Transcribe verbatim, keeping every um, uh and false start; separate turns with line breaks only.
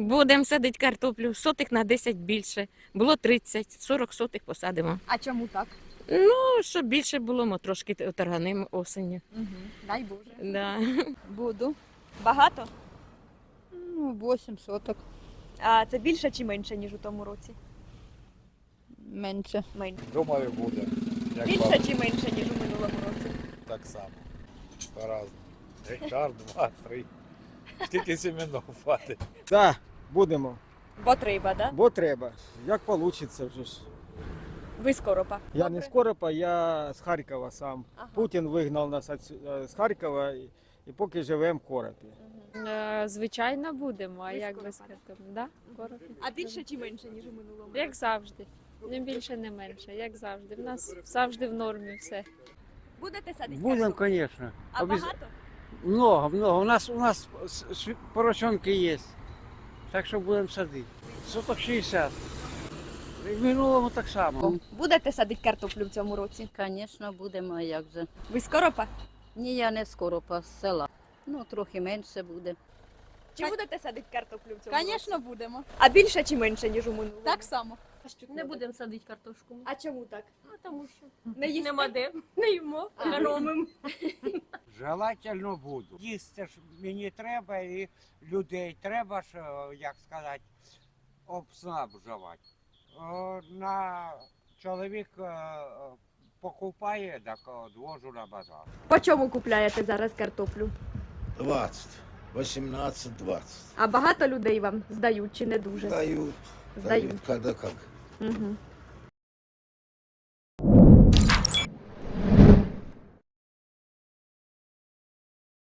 Будемо садити картоплю, сотих на десять більше. Було тридцять, сорок сотих посадимо.
А чому так?
Ну, щоб більше було, ми трошки торганимо осінню.
Угу. Дай Боже.
Да.
Буду.
Багато?
Ну, вісім соток.
А це більше чи менше, ніж у тому році?
Менше.
Менше.
Думаю, буде. Як
Більше
вам,
чи менше, ніж у минулому році?
так само. По-разному. Гектар, два, три. Скільки семенов хватить.
Так, будемо,
Бо треба, да?
бо треба. Як вийде вже ж.
Ви з Коропа.
Я не з Коропа, я з Харкова сам.
Ага.
Путін вигнав нас отсю- з Харкова і, і поки живемо в Коропі.
Е, Звичайно, будемо, а
Ви з
як
Коропа,
без
да?
картоплі? Да? Коропі.
А більше чи менше, ніж у минулому?
Як завжди. Не більше, не менше, як завжди. В нас завжди в нормі все.
Будете садити
Будем,
картоплю?
конечно.
А
Обяз-
багато?
Много, много. У нас, у нас с- с- поросенки есть. Так що будемо садити. Соток шістдесят. І в минулому так само.
Будете садити картоплю в цьому році?
Звісно, будемо, а як же.
Ви з Коропа?
Ні, я не скоро по села. Ну, трохи менше буде.
Чи будете садити картоплю в цьому році?
Звісно, будемо.
А більше чи менше, ніж у минулому?
Так само.
Не будемо садити картошку.
А чому так?
А тому що
Не їсти?
нема де, не їмо,
А.
економимо.
Желательно буду. Їсти ж мені треба і людей треба ж, е, як сказати, обснабжувати. Е, На чоловік е, покупає, так відвожу на базар.
По чому купляєте зараз картоплю?
двадцать, восемнадцать, двадцать.
А багато людей вам здають чи не дуже?
Дают.
Сдают.
Когда как.
Угу.